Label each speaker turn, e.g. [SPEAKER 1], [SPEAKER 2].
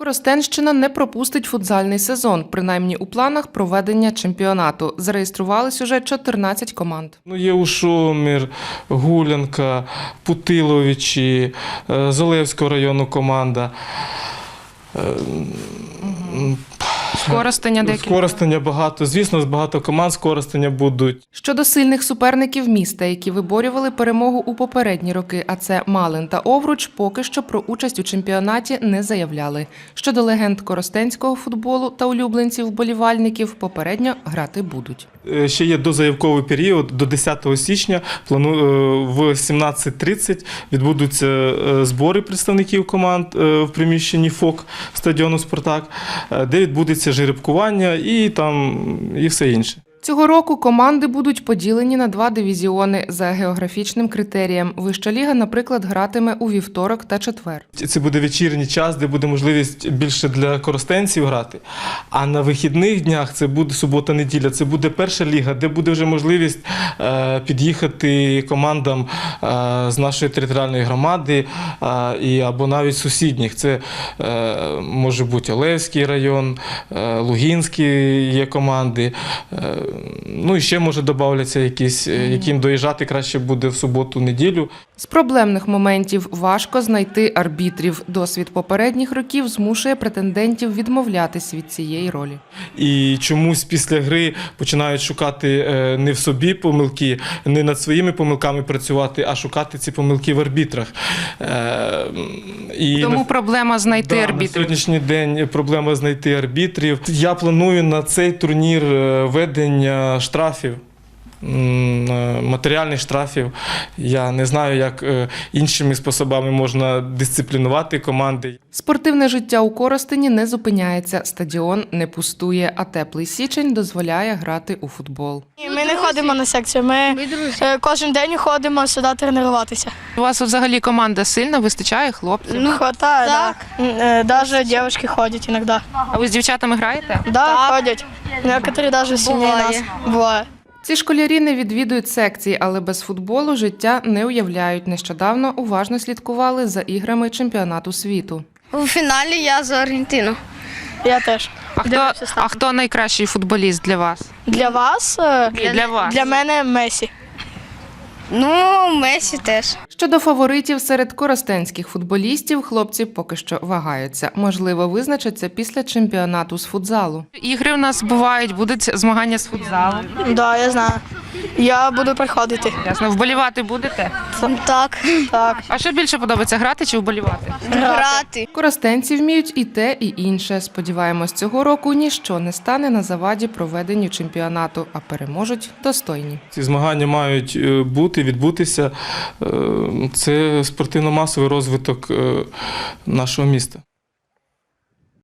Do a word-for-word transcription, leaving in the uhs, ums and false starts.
[SPEAKER 1] Коростенщина не пропустить футзальний сезон, принаймні у планах проведення чемпіонату. Зареєструвались уже чотирнадцять команд.
[SPEAKER 2] Ну, є Ушомір, Гулянка, Путиловичі, е, Золевського району команда. Е,
[SPEAKER 1] З Коростеня деякі.
[SPEAKER 2] З Коростеня багато. Звісно, з багато команд з Коростеня будуть.
[SPEAKER 1] Щодо сильних суперників міста, які виборювали перемогу у попередні роки, а це Малин та Овруч, поки що про участь у чемпіонаті не заявляли. Щодо легенд коростенського футболу та улюбленців вболівальників, попередньо грати будуть.
[SPEAKER 2] Ще є дозаявковий період, до десятого січня, в сімнадцять тридцять відбудуться збори представників команд в приміщенні ФОК стадіону «Спартак», де відбудеться жеребкування і, там, і все інше.
[SPEAKER 1] Цього року команди будуть поділені на два дивізіони за географічним критерієм. Вища ліга, наприклад, гратиме у вівторок та четвер.
[SPEAKER 2] Це буде вечірній час, де буде можливість більше для коростенців грати. А на вихідних днях, це буде субота-неділя, це буде перша ліга, де буде вже можливість е, під'їхати командам е, з нашої територіальної громади е, і, або навіть сусідніх. Це е, може бути Олевський район, е, Лугінський є команди. Е, Ну і ще, може, додавляться якісь, яким доїжджати краще буде в суботу-неділю.
[SPEAKER 1] З проблемних моментів важко знайти арбітрів. Досвід попередніх років змушує претендентів відмовлятись від цієї ролі.
[SPEAKER 2] І чомусь після гри починають шукати не в собі помилки, не над своїми помилками працювати, а шукати ці помилки в арбітрах. І
[SPEAKER 1] Тому проблема знайти
[SPEAKER 2] да,
[SPEAKER 1] арбітрів.
[SPEAKER 2] На сьогоднішній день проблема знайти арбітрів. Я планую на цей турнір введення штрафів, матеріальних штрафів. Я не знаю, як іншими способами можна дисциплінувати команди.
[SPEAKER 1] Спортивне життя у Коростені не зупиняється, стадіон не пустує, а теплий січень дозволяє грати у футбол.
[SPEAKER 3] Ми не ходимо на секцію, ми кожен день ходимо сюди тренуватися.
[SPEAKER 1] У вас взагалі команда сильна, вистачає хлопців?
[SPEAKER 3] Ну, хватає, так. Навіть дівчатки ходять іноді.
[SPEAKER 1] А ви з дівчатами граєте?
[SPEAKER 3] Так, ходять. Некоторі навіть сильніше нас. Буває.
[SPEAKER 1] Ці школярі не відвідують секції, але без футболу життя не уявляють. Нещодавно уважно слідкували за іграми чемпіонату світу.
[SPEAKER 4] У фіналі я за Аргентину.
[SPEAKER 3] Я теж.
[SPEAKER 1] А хто, а хто найкращий футболіст для вас?
[SPEAKER 3] Для вас?
[SPEAKER 1] Для, для вас.
[SPEAKER 3] Для мене Месі.
[SPEAKER 4] Ну, Месі теж.
[SPEAKER 1] Щодо фаворитів серед коростенських футболістів, хлопці поки що вагаються. Можливо, визначаться після чемпіонату з футзалу. Ігри у нас бувають, будуть змагання з футзалу.
[SPEAKER 3] Так, да, я знаю. Я буду приходити.
[SPEAKER 1] Ясно, вболівати будете?
[SPEAKER 4] Так.
[SPEAKER 3] Так.
[SPEAKER 1] А що більше подобається, грати чи вболівати?
[SPEAKER 4] Грати.
[SPEAKER 1] Коростенці вміють і те, і інше. Сподіваємось, цього року ніщо не стане на заваді проведенню чемпіонату, а переможуть достойні.
[SPEAKER 2] Ці змагання мають бути, відбутися. Це спортивно-масовий розвиток нашого міста.